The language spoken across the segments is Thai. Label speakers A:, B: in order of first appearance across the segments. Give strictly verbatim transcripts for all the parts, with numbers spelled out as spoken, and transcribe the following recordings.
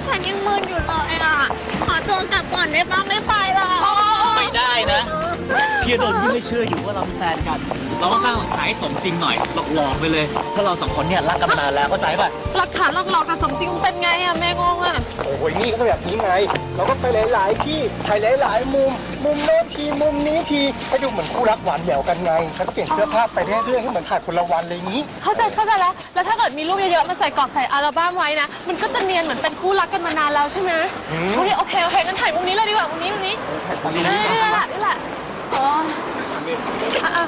A: ฉันยังมึนอยู่เลยอ่ะขอตัวกลับก่อนได้ปะไม่ไปหรอก
B: ไม่ได้นะพี่โดนพี่ไม่เชื่ออยู่ว่าเราเป็นแฟนกันเราต้องสร้างหลักฐานให้สมจริงหน่อยหลอกๆไปเลยเพราะเราสองคนเนี่ยรักกันมานานแล้วเข้าใจป่ะ
C: หลักฐานหลอกๆกับสมจริงมันเป็นไงอะแม่งงอะ
D: โอ้ยนี่ก็แบบนี้ไงเราก็ไปหลายๆที่ถ่ายหลายๆมุมมุมโน้นทีมุมนี้ทีให้ดูเหมือนคู่รักหวานแหววกันไงแล้วก็เปลี่ยนเสื้อผ้าไปเรื่อยๆให้เหมือนถ่ายคนละวันเลยนี้
C: เข้าใจเข้าใจแล้วแล้วถ้าเกิดมีรูปเยอะๆมาใส่กรอบใส่อัลบั้มไว้นะมันก็จะเนียนเหมือนเป็นคู่รักกันมานานแล้วใช่ไหมโอเคโอเคโอเคงั้นถ่ายมุมนี้เลยดีกว่ามุมนี้มุมนี้นี่แหละนี่แหละอ๋ออ่ะ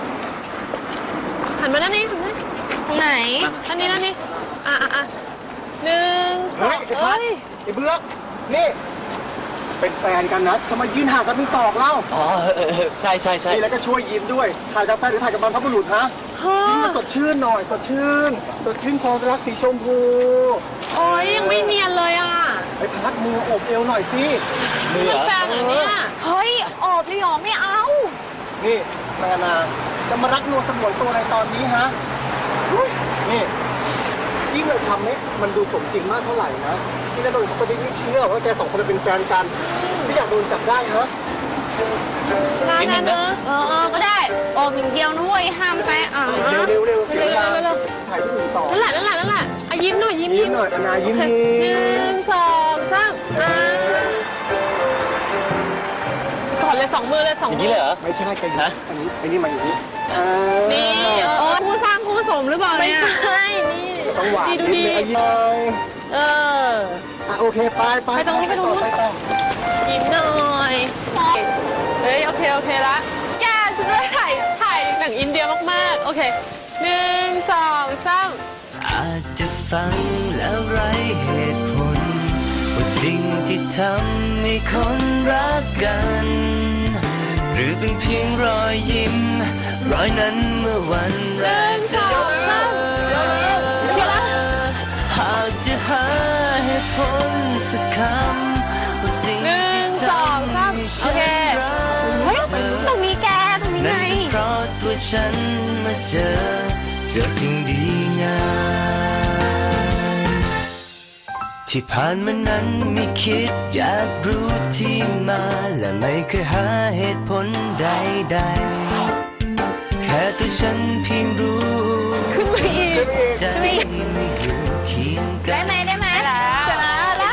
C: หันมาด้านนี้ไหนด้านนี้ด้านนี้อ่ะอ่ะอ่ะหนึ่งสองเฮ้ย
D: ไอ้เบื้องนี่เป็นแฟนกันนะทำไมยืนห่างกันเป็นศอกเล่า
B: อ๋อใช่ใช่ใช่
D: แล้วก็ช่วยยิ้มด้วยถ่ายกับแฟนหรือถ่ายกับบรรพบุรุษฮะยิ้มมาสดชื่นหน่อยสดชื่นสดชื่นความรักสีชมพู
C: โอ้ยยังไม่เนียนเลยอ่ะ
D: ไอ้พัดมือโอบเอวหน่อยสิ
C: มือเป็นแฟนเหรอเนี่ย
A: เฮ้ยออกเลยหรอไม่เอา
D: นี่แม่นาจะมารักนวลสมวนตัวอะไรตอนนี้ฮะนี่ที่เราทำนี่มันดูสมจริงมากเท่าไหร่นะที่นั่นโดนเขาไม่เชื่อว่าแกสองคนเป็นแฟนกันไม่อยากโดนจับได้ฮะ
C: ได้นะเนอะ
A: เออก็ได้ออกอย่างเดียวนะเว้ยห้ามไปอ่ะ
D: เร็วเร็วเร็วเสียเวลาถ่ายที่หนึ่งต่อ
C: นั่นแหละนั่นแหละนั่นแหละอ่ะยิ้มหน่อยยิ้ม
D: ยิ้มหน่อยนายิ้มยิ้ม
C: หนึ่งสองสามอ่ะก่อนเลยสองมือเลยสองมือ
B: นี่เลยเหรอ
D: ไม่ใช่แกนะอันนี้อันนี้มาอย่างนี้
C: นี่
A: เออคู่สร้างคู่สมหรือเปล่าเนี่ย
C: ไม่ใช่นี่
D: ต้องหวานนิดนึงยิ้ม
C: เออ
D: อ่ะโอเคไปไป
C: ไปตรงนู้นไปตรงนู้นยิ้มหน่อยเฮ้ยโอเคโอเคละแกฉันว่าถ่ายถ่ายหนังอินเดียมากๆโอเคหนึ่งสองสาม
E: อาจจะฟังแล้วไร้เหตุผลว่าสิ่งที่ทำให้คนรักกันหรือเป็นเพียงรอยยิ้มรอยนั้นเมื่อวันแรกเจอหากจะหาเหตุผลสักคำว่าสิ่งที่ทำให้ฉันรักเธอ
A: ตรงนี้แกตรงนี้ไง
E: เพราะตัวฉันมาเจอเจอสิ่งดีงามที่ผ่านมานั้นไม่คิดอยากรู้ที่มาและไม่เคยหาเหตุผลใดๆแค่ตัวฉันเพียงรู้
C: ขึ้นมาอีก
E: ใจไม่อยู่เคียงกัน
A: ได้ไหมได้ไหมชนะแล้ว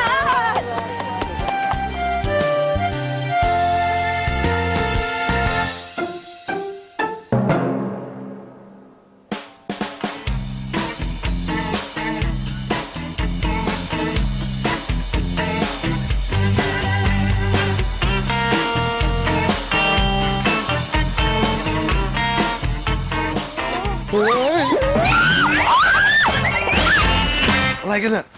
D: อะไรกันเนี่ย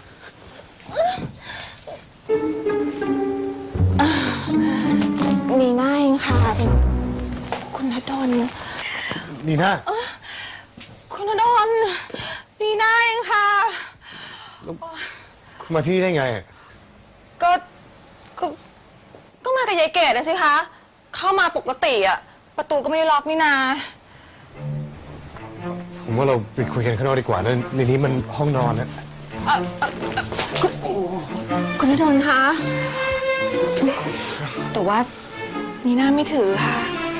A: นีน่าเองค่ะคุณณดล
D: นีน่า
A: คุณณดลนีน่าเองค่ะ
D: คุณมาที่นี่ได้ไง
A: ก็ก็ก็มากับยายเกดนะสิคะเข้ามาปกติอะประตูก็ไม่ล็อกนี่นา
D: ผมว่าเราไปคุยกันข้างนอกดีกว่านะในนี้มันห้องนอนนะ
A: คุณณดลคะแต่ว่านีน่าไม่ถือค่ะ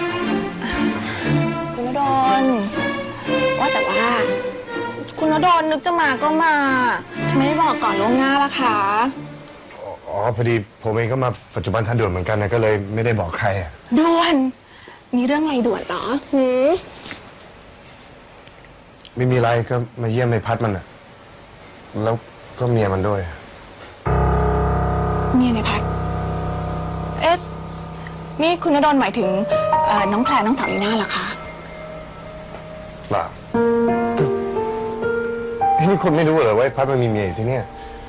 A: คุณณดลว่าแต่ว่าคุณณดลนึกจะมาก็มาทำไมไม่บอกก่อนล่วงหน้าล่ะคะ
D: อ๋อพอดีผมเองก็มาปัจจุบันทันด่วนเหมือนกันนะก็เลยไม่ได้บอกใครอ่ะ
A: ด่วนมีเรื่องอะไรด่วนเหรอหืม
D: ไม่มีอะไรก็มาเยี่ยมในพัดมันอ่ะแล้วก็เมียมันด้วย
A: เมียในพัดเอ๊ะนี่คุณณดลหมายถึงน้องแพรน้องสาวนีน่าเหรอคะ
D: เปล่าก็นี่คุณไม่รู้เหรอว่าพัดมันมีเมียอยู่ที่นี่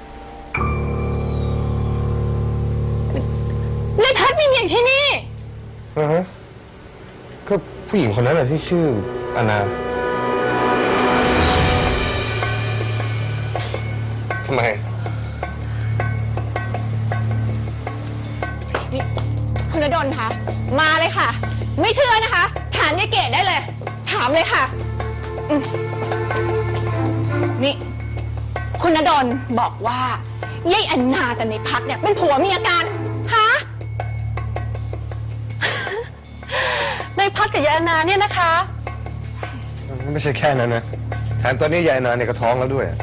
A: ในพัดมีเมียอยู่ที่นี่
D: อือฮะก็ผู้หญิงคนนั้นแหละที่ชื่ออนาทำไม
A: นี่คุณณดลคะมาเลยค่ะไม่เชื่อนะคะถามยายเกดได้เลยถามเลยค่ะนี่คุณณดลบอกว่ายายอันนากับในพัดเนี่ยเป็นผัวเมียกันฮะ
C: ในพัดกับยายแอนนาเนี่ยนะคะ
F: ไม่ใช่แค่นั้นนะแถมตอนนี้ยายนาเนี่ยก็ท้องแล้วด้วย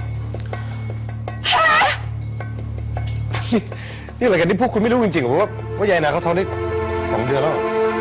F: นี่อะไรกันที่พวกคุณไม่รู้จริงๆเหรอว่าว่ายายนาเขาท้องได้สองเดือนแล้ว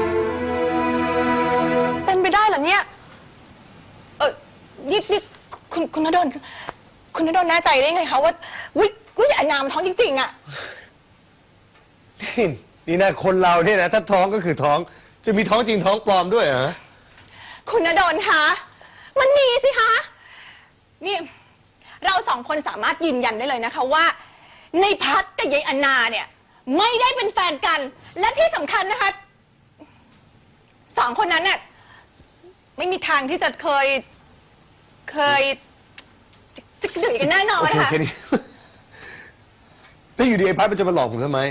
A: เป็นไปได้เหรอเนี่ย เออยิดยิดคุณคุณณดลคุณณดลแน่ใจได้ไงคะว่าวิวิยายอันนามันท้องจริงๆอะ
F: นี่นี่นะคนเราเนี่ยนะถ้าท้องก็คือท้องจะมีท้องจริงท้องปลอมด้วยเหรอ
A: คุณณดลคะมันมีสิคะนี่เราสองคนสามารถยืนยันได้เลยนะคะว่า ในพัดกับยายอันนาเนี่ยไม่ได้เป็นแฟนกัน และที่สำคัญนะคะสองคนนั้นเนี่ยไม่มีทางที่จะเคยเคยจะจะดื่มกันแน่นอน
F: โอเค
A: นะคะ
F: แค่นี้ แล้วอยู่ดีไอ้พัดมันจะมาหลอกผมทำไม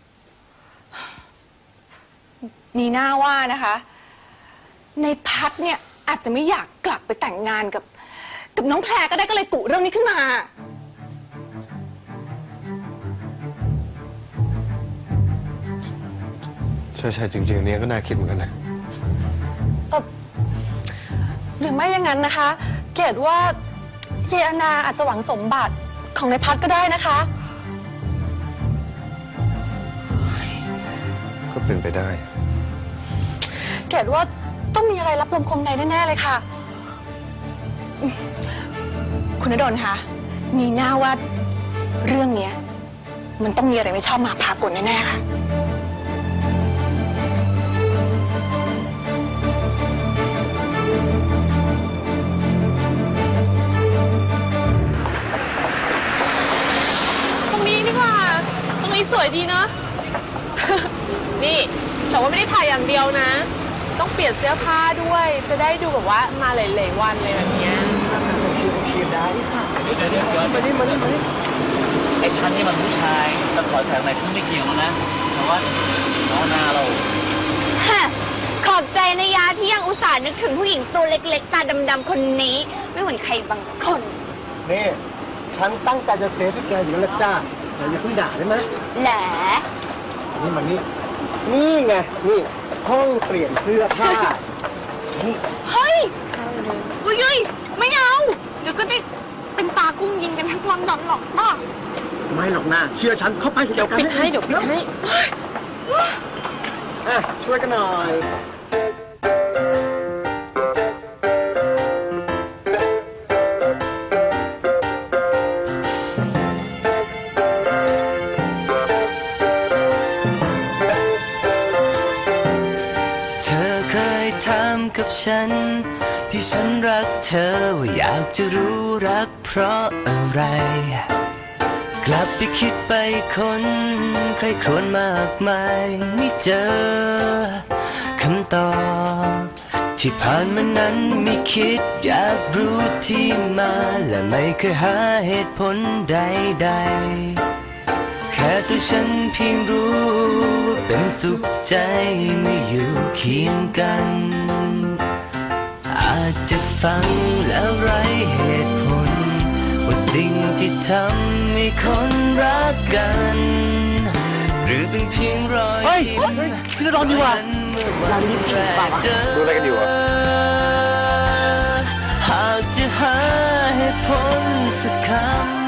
A: นีน่าว่านะคะ ในพัดเนี่ยอาจจะไม่อยากกลับไปแต่งงานกับ กับน้องแพรก็ได้ก็เลยกุเรื่องนี้ขึ้นมา
F: ใช่ใช่จริงๆอันเนี้ยก็น่าคิดเหมือนกันนะ
C: เออหรือไม่อย่างนั้นนะคะ เกดว่ายายแอนนาอาจจะหวังสมบัติของในพัดก็ได้นะคะ
F: ก็เป็นไปได้
C: เกดว่าต้องมีอะไรรับลมคมในแน่ๆเลยค่ะ
A: คุณณดลคะนีน่าว่าเรื่องเนี้ยมันต้องมีอะไรไม่ชอบมาพากลแน่ๆค่ะ
C: ตรงนี้ดีกว่า ตรงนี้สวยดีเนาะ นี่ แต่ว่าไม่ได้ถ่ายอย่างเดียวนะ ต้องเปลี่ยนเสื้อผ้าด้วย จะได้ดูแบบว่ามาหลายๆวันเลยแบบเนี้ย
B: เดี๋ยวเดี๋ยวเดี๋ยวมาดิมาดิมาดิไอ้ฉันนี่มันผู้ชายจะถอยแสงไหนฉันไม่เกี่ยวแล้วนะแต่ว่าน้องนาเรา
G: ฮะขอบใจนะยาที่ยังอุตส่าห์นึกถึงผู้หญิงตัวเล็กๆ ตาดำๆคนนี้ ไม่เหมือนใครบางคน
D: นี่ฉันตั้งใจจะเซฟให้แกอยู่แล้วจ้าแต่อย่าเพิ่งด่าได้ไหม
G: แหละ
D: นี่มันนี่นี่ไงนี่ห้องเปลี่ยนเสื้อผ้านี่
A: เฮ้ยอุ้ยยุยไม่เอา เดี๋ยวก็ได้เป็นตากุ้งยิงกันทั้งลอนดอนหรอกป้า
D: ไม่หรอกนะเชื่อฉันเข้าไป
C: เดี๋ยวปิดให้ เดี๋ยวปิดให้
D: อ่ะช่วยกันหน่อย
E: เธอเคยถามกับฉัน ที่ฉันรักเธอว่าอยากจะรู้รักเพราะอะไร กลับไปคิดไปคนใครครวญมากมายไม่เจอคำตอบที่ผ่านมานั้นไม่คิดอยากรู้ที่มาและไม่เคยหาเหตุผลใดๆ แค่ตัวฉันเพียงรู้ว่าเป็นสุขใจเมื่ออยู่เคียงกัน อาจจะฟังแล้วไร้เหตุผลว่าสิ่งที่ทำให้คนรักกัน หรือเป็นเพียงรอย
D: เฮ้ย
E: ยิ้ม
D: เฮ้ยพี่ระดอนดีว่ะ
E: เมื่อวันแรกเจอ
F: ดูอะไรกันอยู่อะ
E: หากจะหาเหตุผลสักคำ